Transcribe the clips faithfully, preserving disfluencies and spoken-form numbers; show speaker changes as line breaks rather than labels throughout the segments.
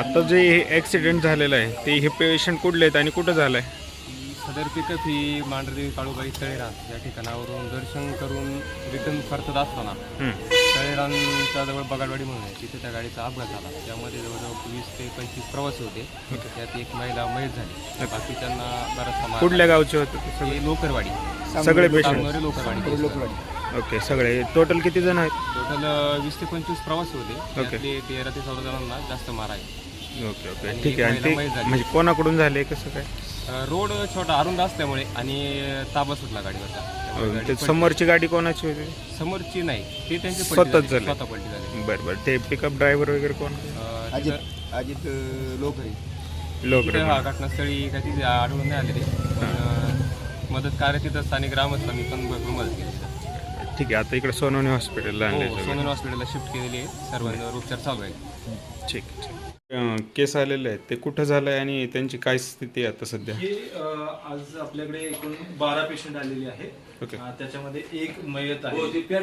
आता जे ॲक्सिडेंट झालेलं आहे ते हे पेशंट कुठले आहेत आणि कुठं झालं आहे?
सदर पिकअप ही मांढरदेवी काळूबाई तळेरान या ठिकाणावरून दर्शन करून रिटर्न परतत असताना तळेरानच्या जवळ बगाडवाडी म्हणून आहे, तिथे त्या गाडीचा अपघात झाला. त्यामध्ये जवळजवळ वीस ते पंचवीस प्रवासी होते. त्यात एक महिला मयत झाली. बाकीच्यांना बराचसा मार.
कुठल्या गावचे होते ते सगळे?
हे लोकरवाडी
सगळे पेशंट?
सांगोरे लोकरवाडी.
ओके, सगळे टोटल किती जण आहेत?
टोटल वीस ते पंचवीस प्रवासी होते. त्यातले तेरा ते चौदा जणांना जास्त मार आहे.
ओके ओके ठीक आहे. आणि ते म्हणजे कोणाकडून झाले कसं काय?
रोड छोटा अरुंद असल्यामुळे आणि ताबा सुटला गाडीवरचा.
ते समोरची गाडी कोणाची होती?
समोरची नाही, ते त्यांची
स्वतःच झाली.
स्वतः पलटी झाली.
बरं बरं. ते पिकअप ड्रायव्हर वगैरे कोण?
अं,
अजित
तिथं-
अजित लोकरी
लोक
तिथं हा घटनास्थळी काय तिथे आढळून नाही आले ते. पण, अं, मदत कार्य तिथं स्थानिक ग्रामस्थांनी पण भरपूर मदत केली तिथं.
ठीक आहे. आता इकडे सोनवणे हॉस्पिटलला
हो,
आणले.
सोनन हॉस्पिटलला शिफ्ट केलेली आहे. सर्वांवर उपचार चालू आहे.
ठीक ठीक. अं, केस आलेले आहेत ते कुठं झालं आहे आणि त्यांची काय स्थिती आहे आता सध्या?
हे अ, आज आपल्याकडे एकूण बारा पेशंट आलेले आहेत.
ओके.
अ, त्याच्यामध्ये एक मयत आहे.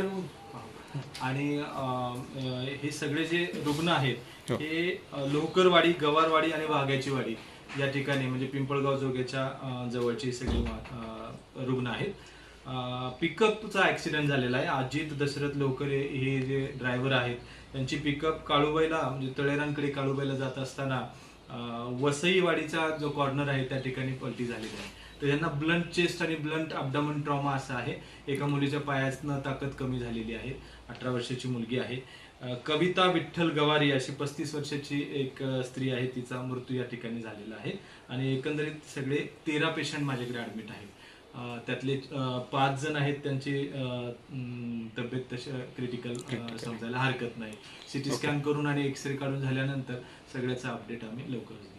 आणि अ, अ, हे सगळे जे रुग्ण आहेत
हो.
हे अ, लोहकरवाडी, गवारवाडी आणि वाघ्याची वाडी या ठिकाणी म्हणजे पिंपळगाव जोग्याच्या अ, जवळचे सगळे अ, रुग्ण आहेत. पिकअपचा ॲक्सिडेंट झालेला आहे. अजित दशरथ लोकरे हे जे ड्रायव्हर आहेत त्यांची पिकअप काळूबाईला म्हणजे तळेरांकडे काळूबाईला जात असताना अं, वसईवाडीचा जो कॉर्नर आहे त्या ठिकाणी पलटी झालेली आहे. तर यांना ब्लंट चेस्ट आणि ब्लंट अब्डामन ट्रॉमा असा आहे. एका मुलीच्या पायातनं ताकद कमी झालेली आहे. अठरा वर्षाची मुलगी आहे. अं, कविता विठ्ठल गवारी अशी पस्तीस वर्षाची एक अं, स्त्री आहे. तिचा मृत्यू या ठिकाणी झालेला आहे. आणि एकंदरीत सगळे तेरा पेशंट माझ्याकडे ॲडमिट आहेत. अं, त्यातले अं, पाच जण आहेत त्यांची अं, तब्येत तशी क्रिटिकल समजायला हरकत नाही. सिटी स्कॅन करून आणि एक्सरे काढून झाल्यानंतर सगळ्याचा अपडेट आम्ही लवकरच देऊ.